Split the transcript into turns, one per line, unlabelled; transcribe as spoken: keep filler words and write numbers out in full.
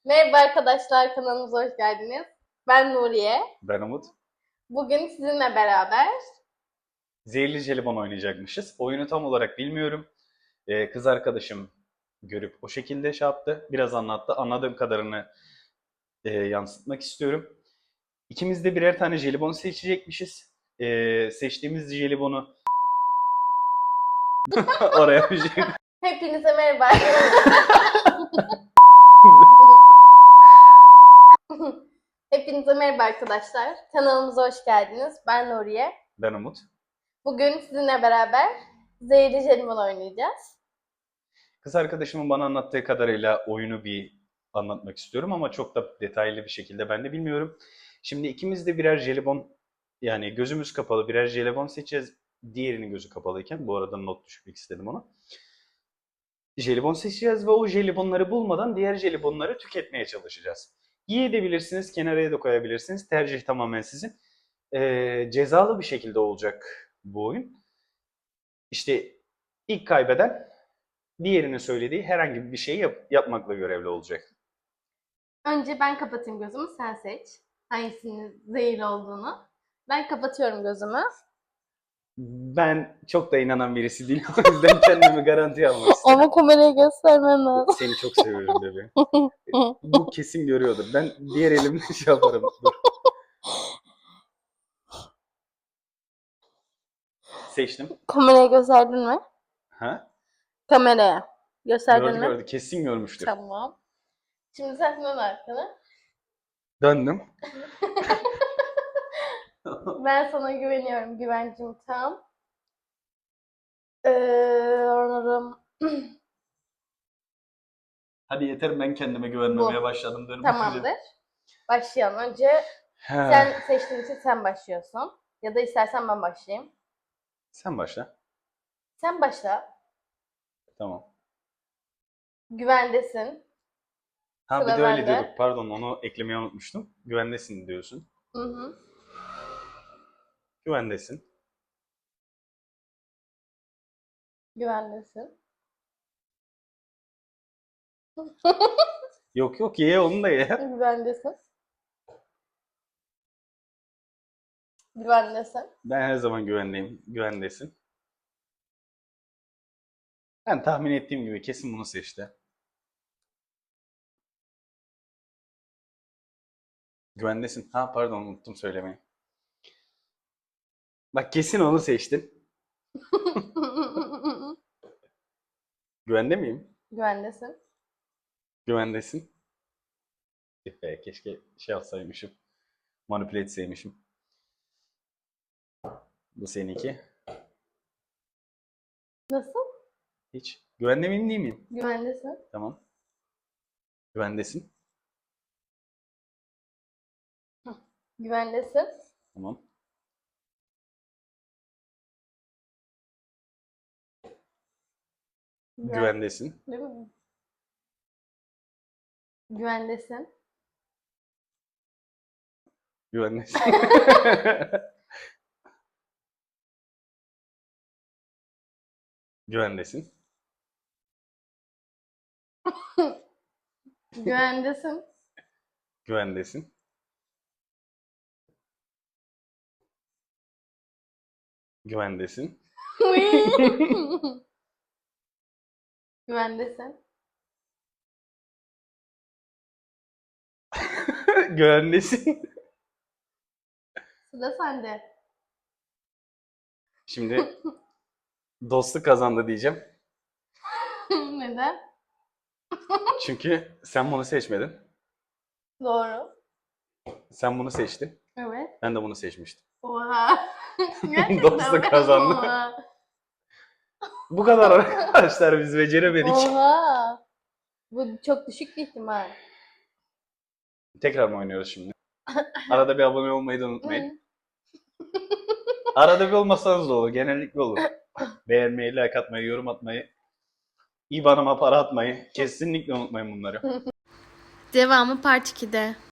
Merhaba arkadaşlar, kanalımıza hoş geldiniz. Ben Nuriye.
Ben Umut.
Bugün sizinle beraber
Zehirli jelibon oynayacakmışız. Oyunu tam olarak bilmiyorum. Ee, kız arkadaşım görüp o şekilde şey yaptı. Biraz anlattı. Anladığım kadarını e, yansıtmak istiyorum. İkimiz de birer tane jelibon seçecekmişiz. Ee, seçtiğimiz jelibonu oraya bir şey...
hepinize merhaba. Hepinize merhaba arkadaşlar. Kanalımıza hoş geldiniz. Ben Nuriye.
Ben Umut.
Bugün sizinle beraber zehirli jelibon oynayacağız.
Kız arkadaşımın bana anlattığı kadarıyla oyunu bir anlatmak istiyorum ama çok da detaylı bir şekilde ben de bilmiyorum. Şimdi ikimiz de birer jelibon, yani gözümüz kapalı birer jelibon seçeceğiz. Diğerinin gözü kapalıyken, bu arada not düşmek istedim ona. Jelibon seçeceğiz ve o jelibonları bulmadan diğer jelibonları tüketmeye çalışacağız. Yiyebilirsiniz, kenara da koyabilirsiniz. Tercih tamamen sizin. Ee, cezalı bir şekilde olacak bu oyun. İşte ilk kaybeden diğerinin söylediği herhangi bir şeyi yap- yapmakla görevli olacak.
Önce ben kapatayım gözümü, sen seç. Hangisinin zehirli olduğunu. Ben kapatıyorum gözümü.
Ben çok da inanan birisi değilim. O yüzden kendimi garantiye almak istedim.
Ama kameraya göstermem lazım.
Seni çok seviyorum bebeğim. Bu kesin görüyordur. Ben diğer elimle şey yaparım. Dur. Seçtim.
Kameraya gösterdin mi?
Ha?
Kameraya. Gösterdin
Gördü
mi?
gördü. Kesin görmüştür.
Tamam. Şimdi sen dön arkana.
Döndüm.
Ben sana güveniyorum. Güvencim tam. Ee, Onur'um.
Hadi yeter, ben kendime güvenmemeye
Bu.
başladım. Dur
Tamamdır. Başlayalım. Önce
Ha.
sen seçtiğin için sen başlıyorsun. Ya da istersen ben başlayayım.
Sen başla.
Sen başla.
Tamam.
Güvendesin.
Ha bir
Sıra
de öyle
bende.
diyorduk. Pardon, onu eklemeyi unutmuştum. Güvendesin diyorsun.
Hı hı.
Güvendesin.
Güvendesin.
Yok yok, ye onu da ye.
Güvendesin. Güvendesin.
Ben her zaman güvendeyim. Güvendesin. Ben tahmin ettiğim gibi kesin bunu seçti. Güvendesin. Ha pardon, unuttum söylemeyi. Bak kesin onu seçtin. Güvende miyim?
Güvendesin.
Güvendesin. Tüh be, keşke şey yapsaymışım. Manipüle etseymişim. Bu seninki.
Nasıl?
Hiç. Güvende miyim değil miyim?
Güvendesin.
Tamam. Güvendesin.
Güvendesin.
Tamam.
Güven-
Güvendesin.
Değil mi? Güvendesin.
Güvendesin. Güvendesin.
Güvendesin.
Güvendesin. Güvendesin.
Güvendesin.
Güvendesin.
Sıra sende.
Şimdi dostluk kazandı diyeceğim.
Neden?
Çünkü sen bunu seçmedin.
Doğru.
Sen bunu seçtin.
Evet.
Ben de bunu seçmiştim.
Oha. Gerçekten
Dostluk
mi?
kazandı.
Oha.
Bu kadar arkadaşlar, biz beceremedik.
Oha. Bu çok düşük bir ihtimal.
Tekrar mı oynuyoruz şimdi? Arada bir abone olmayı da unutmayın. Arada bir olmasanız da olur. Genellikle olur. Beğenmeyi, like atmayı, yorum atmayı, İBAN'ıma para atmayı kesinlikle unutmayın bunları.
Devamı Part ikide.